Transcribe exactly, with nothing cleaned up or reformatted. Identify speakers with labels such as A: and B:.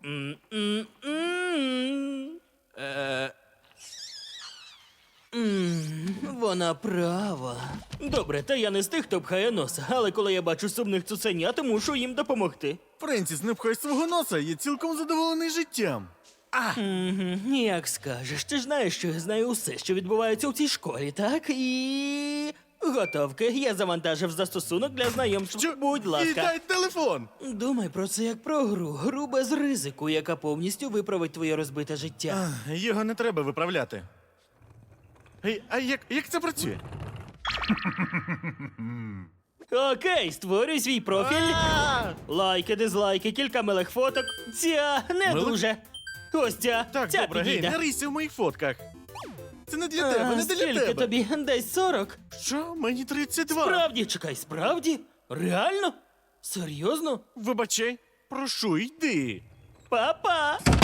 A: Е, м, Вона права. Добре, та я не з тих, хто пхає носа, але коли я бачу сумних цуценят, мушу їм допомогти.
B: Френсіс, не пхай свого носа, я цілком задоволений життям.
A: Угу, як скажеш, ти ж знаєш, що я знаю усе, що відбувається у цій школі, так? І... Готовки. Я завантажив застосунок для знайомств.
B: Що?
A: Будь ласка.
B: Віддай телефон!
A: Думай про це як про гру. Гру без ризику, яка повністю виправить твоє розбите життя.
B: А, його не треба виправляти. Ей, а як, як це працює?
A: Окей, створюй свій профіль.
B: А!
A: Лайки, дизлайки, кілька милих фоток. Ця не
B: Милих?
A: дуже. Ось ця.
B: Так,
A: ця
B: добре, гей,
A: підійде.
B: не рийся в моїх фотках. Це не для
A: А,
B: тебе, не для
A: скільки
B: тебе.
A: тобі? Десь сорок?
B: Що? Мені тридцять два.
A: Справді, чекай, справді? Реально? Серйозно?
B: Вибачай, прошу, йди.
A: Па-па!